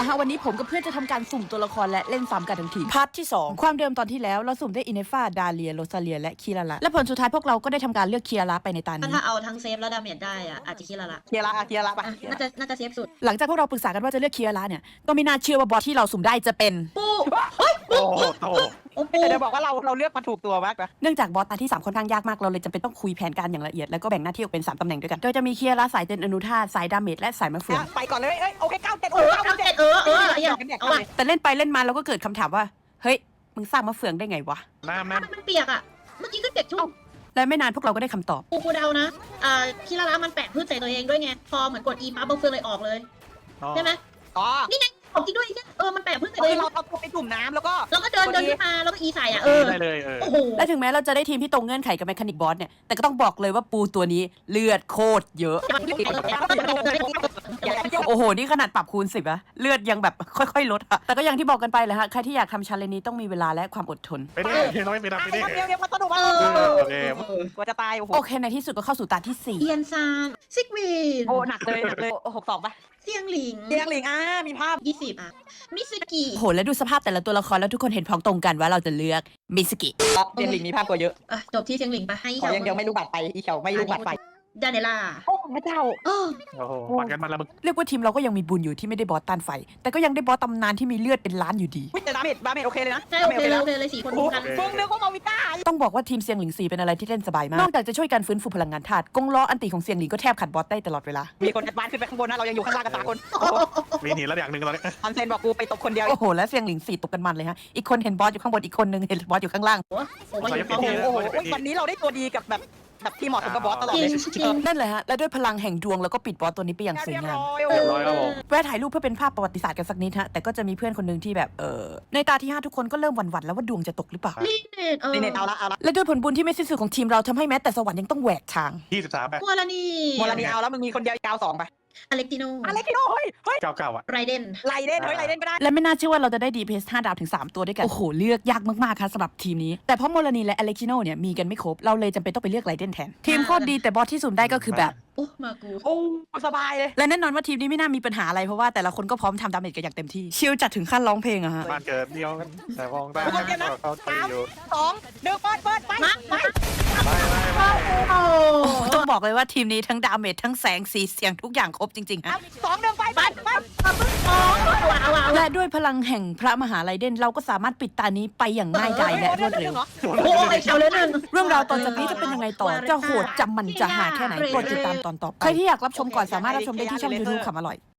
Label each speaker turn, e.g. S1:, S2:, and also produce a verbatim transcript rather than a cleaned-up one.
S1: ละฮะวันนี้ผมกับเพื่อนจะทำการสุ่มตัวละครและเล่นซ้ำกันทั้งทีมพาร์ทที่สองความเดิมตอนที่แล้วเราสุ่มได้อินเนฟาดาเลียโรซาเลียและคีราละและผลสุดท้ายพวกเราก็ได้ทำการเลือกคีราละไปในตานี้
S2: ถ้าเอาทั้งเซฟและดาเมจได้อะอาจจะคิดละละ
S3: เคลียร์ละเคลียร์ละไป
S2: อ่ะน่าจะน่าจะเซฟสุด
S1: หลังจากพวกเราปรึกษากันว่าจะเลือกคีราละเนี่ยก็ไม่น่าเชื่อว่าบอสที่เราสุ่มได้จะเป็น
S2: ปูเฮ้ย
S4: โอ้โหโต
S2: โอ้ปู
S3: แต่จะบอกว่าเราเราเลือกมาถูกตัวมากนะ
S1: เนื่องจากบอสตาที่สามค่อนข้างยากมากเราเลยจำเป็นต้องคุยแผนการอย่างละเอียดแล้วก็แบ่งหน้าที่ออกเป็นสามตำแหน่งด้วยกันโดยจะมีคีราละสายเต้นอนุธาตสายดาเมจและสายมะเฟือง
S3: ไปก่อนเลยเอ้ยโอเคเก้าเจ็ด
S2: เออเอาเจ็ดเออเอออย่างเอาอะ
S1: แต่เล่นไปเล่นมาเราก็เกิดคำถามว่าเฮ้ยมึงสร้างมะเฟืองได้ไงวะ
S4: น้ำ
S2: ถ้า
S4: น้ำ
S2: มันเปียกอะเมื่อกี้ก็เด็กชุ่ม
S1: และไม่นานพวกเราก็ได้คำตอบ
S2: ปูกูเดานะอ่าคิราละมันแปะพืชใส่ตัวเองด้วยไงพอเหมือนกด E ปั๊บเบอร์เฟืองเลยออกเลยใช่ไหม
S3: อ๋อ
S2: นี่ไงออกจริงด้วยเออมันแปะพืชใส่
S3: คื
S2: ตัวเอ
S3: อง เราเอาตัวไปจุ่มน้ำแล้วก็
S2: แล้วก็เดินเดินขึ้นมาแล้วก็ E ใส่อ่ะเออ
S4: ได้เลยเออ
S2: โอ้โห
S1: และถึงแม้เราจะได้ทีมที่ตรงเงื่อนไขกับแมคานิกบอสเนี่ยแต่ก็ต้องบอกเลยว่าปูตัวนี้เลือดโคตรเยอะ โอ้โห นี่ขนาดปรับคูณสิบอะเลือดยังแบบค่อยๆลดอะแต่ก็อย่างที่บอกกันไปแหละฮะ ใครที่อยากทำชาเลนจ์นี้ต้องมีเวลาและความอดทน
S4: ไปดิน้อยไปดับไปดิ
S3: เดี๋ยวเดี๋ยวมาสนุกมา
S4: โอเค
S3: กว่าจะตายโอ้โห
S1: โอเค ในที่สุดก็เข้าสู่ตาที่สี่
S2: เอียนซานซิกวิน
S3: โอ้หนักเลยหนักเลยหกสองป่ะ
S2: เซียงหลิง
S3: เตียงหลิงอ่ามีภาพ
S2: ยี่สิบอ่ะมิสกิ
S1: โอ้โห แล้วดูสภาพแต่ละตัวละครแล้วทุกคนเห็นพ้องตรงกันว่าเราจะเลือกมิสกิ
S3: เตียงหลิงมีภาพตัวเยอะ
S2: อ่ะจบที่เซียงหลิงไปให้
S3: ขอยังเดียวไม่รู้บัตรไปอีเขียวไม่รู้บัตรไป
S2: ดาเนล่า
S3: โอ้พระเจ้า
S2: เออ
S4: โอ้โหปันกันมันละมึง
S1: เรียกว่าทีมเราก็ยังมีบุญอยู่ที่ไม่ได้บอสต้านไฟ แต่ก็ยังได้บอสตำนานที่มีเลือดเป็นล้านอยู่ดี
S3: แต่ดาเมจดาเมจโอเคเลยนะ
S2: ใช่โอเคเลยโอเคเลยสี่คน
S3: โอ้
S2: กัน
S3: เพิ่งนึกว่ามาวิต้า
S1: ต้องบอกว่าทีมเซียงหลิงสี่เป็นอะไรที่เล่นสบายมาก นอกจากจะช่วยกันฟื้นฟูพลังงานธาตุกงล้ออันติของเซียงหลิงก็แทบขัดบอสได้ตลอดเวลา
S3: มีคนแอดวานซ์ขึ้นไปข้างบนนะเรายังอยู่ข้างล่างกันสามคน
S4: มีหนีแล้วอย่างหนึ่งตอนนี้
S3: คอนเซนบอกกูไปตกคนเดียว
S1: โอ้โห และเซียงหลิงสี่ตกกันมันเลยฮะ อีกคนเห็นบอสอยู่ข้างบน อีกคนนึงเห็นบอสอยู่ข้างล่าง
S2: โอ้โหอยู่พร้อม
S3: โอ้โหวันนี้เราได้ตัวดีกับแบบแบบที่เหมาะสมกับบอสตลอด
S2: จริ
S3: เล
S2: ง
S3: ย
S2: จริง
S1: นั่นแหละฮะ และด้วยพลังแห่งดวงแล้วก็ปิดบอสตัวนี้ไปอย่างสวยงาม
S4: เรียบร้อยครับผม
S1: แวะถ่ายรูปเพื่อเป็นภาพประวัติศาสตร์กันสักนิดฮะ แต่ก็จะมีเพื่อนคนหนึ่งที่แบบเออในตาที่ห้าทุกคนก็เริ่มหวั่นๆแล้วว่าดวงจะตกหรือเปล่า
S2: ลีเนตเออ
S3: นี่เน็ตเอาละเอาละ
S1: และด้วยผลบุญที่ไม่สิ้นสุดของทีมเราทำให้แม้แต่สวรรค์ยังต้องแหวกทาง
S4: ยี่สิบสามไป
S2: กัวลานี
S3: โมลานีเอาแล้วมึงมีคนเดียวเก้าสองไป
S2: อเล็กติโน
S3: อะไรพี่โน้ยเฮ้ย
S4: เก้าเก้าอ่ะ
S2: ไรเดน
S3: ไลเดนเฮ้ยไลเดนก็ได้
S1: และไม่น่าเชื่อว่าเราจะได้ ดี พี เอส ห้าดาวถึงสามตัวด้วยกัน โอ้โห เลือกยากมากๆครับสำหรับทีมนี้ แต่เพราะโมลานีและอเล็กชิโนเนี่ยมีกันไม่ครบ เราเลยจำเป็นต้องไปเลือกไรเดนแทน ทีมโคตรดีแต่บอสที่สุ่มได้ก็คือแบบ
S2: โอ้มากู
S3: โอ้สบายเลย
S1: และแน่นอนว่าทีมนี้ไม่น่ามีปัญหาอะไรเพราะว่าแต่ละคนก็พร้อมทำดาเมจกันอย่างเต็มที่ ชิลจัดถึงขั้นร้องเพลงอะฮะ
S4: บ้านเกิดเดียวกันแต่มองตาเขาตีอยู่
S3: สองหนึ่งเปิดเปิดไปไป
S4: ไปไปไป
S2: โอ้
S1: ต้องบอกเลยว่าทีมนี้ทั้งดาเมจทั้งแสงสีเสียงทุกอย่างครบจริงๆฮะ
S3: สองหนึ่งไปไปไป
S2: ว้าวว้าว
S1: และด้วยพลังแห่งพระมหาไลเดนเราก็สามารถปิดตานี้ไปอย่างง่ายดายและรวดเร็ว
S2: โอ้ยเฉาเลยหนึ่ง
S1: เรื่องราวตอนจากนี้จะเป็นยังไงต่อ จะโหดจำมันจะหาแค่ไหนโปรดติดตามตอนต่อไปใครที่อยากรับชมก่อนสามารถรับชมได้ที่ช่อง YouTube ขำอร่อย